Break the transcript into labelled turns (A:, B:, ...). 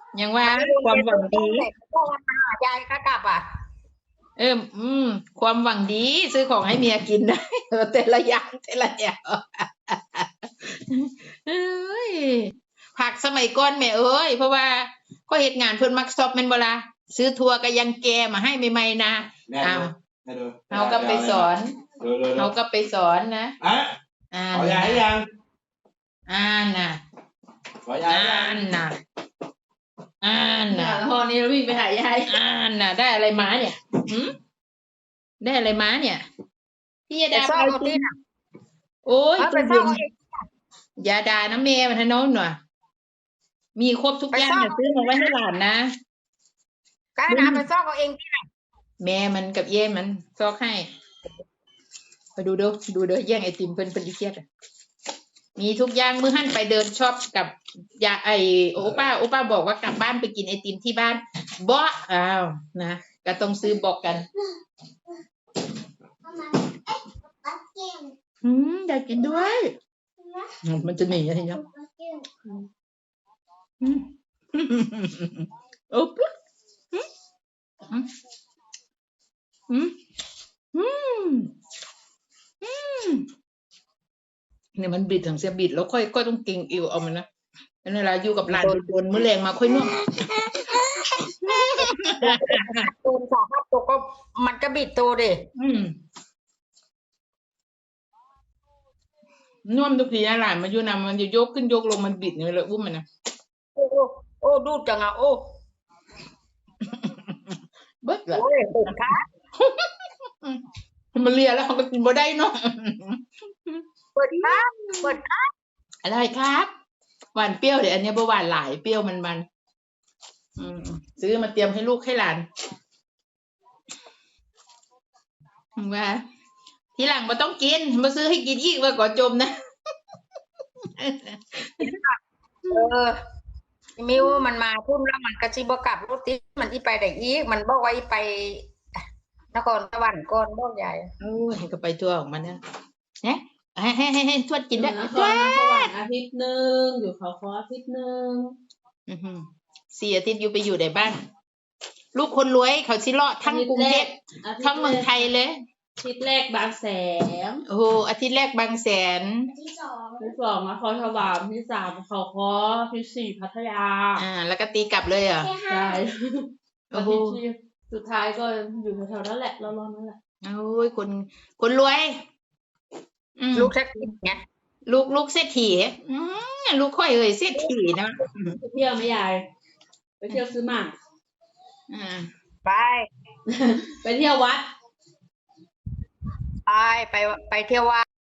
A: ยังว่า
B: มันไม่วน
A: ความ
B: ไป
A: หวังดี
B: ซื้อต้นเสร็จก็วันมายายค่ากลับอ่ะ
A: ความหวังดีซื้อของให้เมียกินได้แต่ละอย่างแต่ละอย่างเอ้ยผักสมัยก่อนแม่เอ้ยเพราะว่าก็เหตุงานเพิ่นมักซอบแม่นบ่ล่ะซื้อทัวร์ก็ยังแกมาให้ใหม่ๆนะ
C: แม่
A: อ้าว
C: ดูแม่ดู
A: เราก็ไปสอน
C: ดู
A: เราก็ไปสอนนะ
C: อ่ะ
A: อ่า
C: ขอยาให้
A: นนะ
C: ยัง
A: อ่านนะ
C: ขอยาให้
A: อ่า
C: ยัง
A: นนะอ่าน
D: เนี่
A: นะ
D: ยพอนี้วิ่งไปหายาย
A: อ่านนะได้อะไรมาเนี่ยได้อะไรมาเนี่ยพี่ยา
B: ไป
A: ดา
B: ซ่อ
A: ไป
B: มเอา
A: กิน
B: ที่น่ะ
A: โอ้ย
B: ไป
A: ตู้เย็น
B: ซ่อมเอาเอง
A: ยาดานะแม่มันทะโน้นหน่อยมีครบทุก
B: ไป
A: อย่าง
B: ซ่อม
A: เนี่ยซื้อมาไว้ให้หลานนะ
B: ก็นะไปซ่อมเอาเองที่น่ะ
A: แม่มันกับเย่มันซอกให้ไปดูเด้อแย่งไอติมเพิ่นดิเครียดอะมีทุกอย่างมื้อหั่นไปเดินช็อปกับยาโอป้าบอกว่ากลับบ้านไปกินไอติมที่บ้านบ่อ้าวนะก็ต้องซื้อบอกกันอยากกินด้วยมันจะหนีอะไรเนาะโอ้ปุ๊บอืมอืมอืมอืมเนี่ยมันบิดถึงเสียบิดแล้วค่อยต้องเก่งอิวเอามันนะแล้วเวลาอยู่กับหลานโดนมื้อแรงมาค่อยน่วง
B: ตูนสาหัสตัวก็มันก็บิดตัวดิ
A: น่วมทุกทีนะหลานมาอยู่นำมันจะยกขึ้นยกลงมันบิดเนี่ยเลยอุ้มมันนะ
B: โอ้โอ้ดูดจังอ่ะโอ้
A: เบิดละ
B: โอ้ยเด็กค่ะ
A: มันเลียแล้วเขาก็กินบ่ได้เนาะ
B: เปิดครับเปิดครับ
A: อะไรครับหวานเปรี้ยวเดี๋ยวอันนี้บ่หวานหลายเปรี้ยวมันซื้อมาเตรียมให้ลูกให้หลานว่าทีหลังบ่ต้องกินมาซื้อให้กินอีกว่าก่อจมนะ
B: มิวมันมาพุ่นแล้วมันกระชิบกลับรถติมันอีไปได้อีกมันบอกว่าอีไปนครสวรรค์ก่อนบอกใหญ่
A: โอ้ยก็ไปทั่วของมันนะเนี่ยให้ทวดกินได้
D: นค
A: ทว
D: รสวร
A: ด
D: รค์อาทิตย์หนึ่งอยู่เขาคออาทิตย์หนึ่ง
A: 4 อาทิตย์อยู่ไปอยู่ในบ้าน ลูกคนรวยเขาสิเลาะทั้งกรุงเทพทั้งเมืองไทยเลย
D: อาทิตย์แรกบางแสน
A: โอ้โหอาทิตย์แรกบางแสน
D: อาทิตย์สองนครสวรรค์อาทิตย์สามเขาคออาทิตย์สี่พัทยา
A: แล้วก็ตีกลับเลยเหรอ
D: ใช่
A: โอ้
D: อา
A: โห
D: ทิตย์ที่สุดท้ายก็อยู่แถวๆนั้นแหละรอๆนั่นแหละ
A: โอ้ยคนรวย
B: ลูกแท็กซี่ไง
A: ลูกเศรษฐีลูกค่อยเอ่ยเศรษฐีนะ
D: ไปเที่ยวไหมยายไปเที่ยวซื้อหมาก
B: ไป
D: ไปเที่ยววัด
B: ไปเที่ยววัด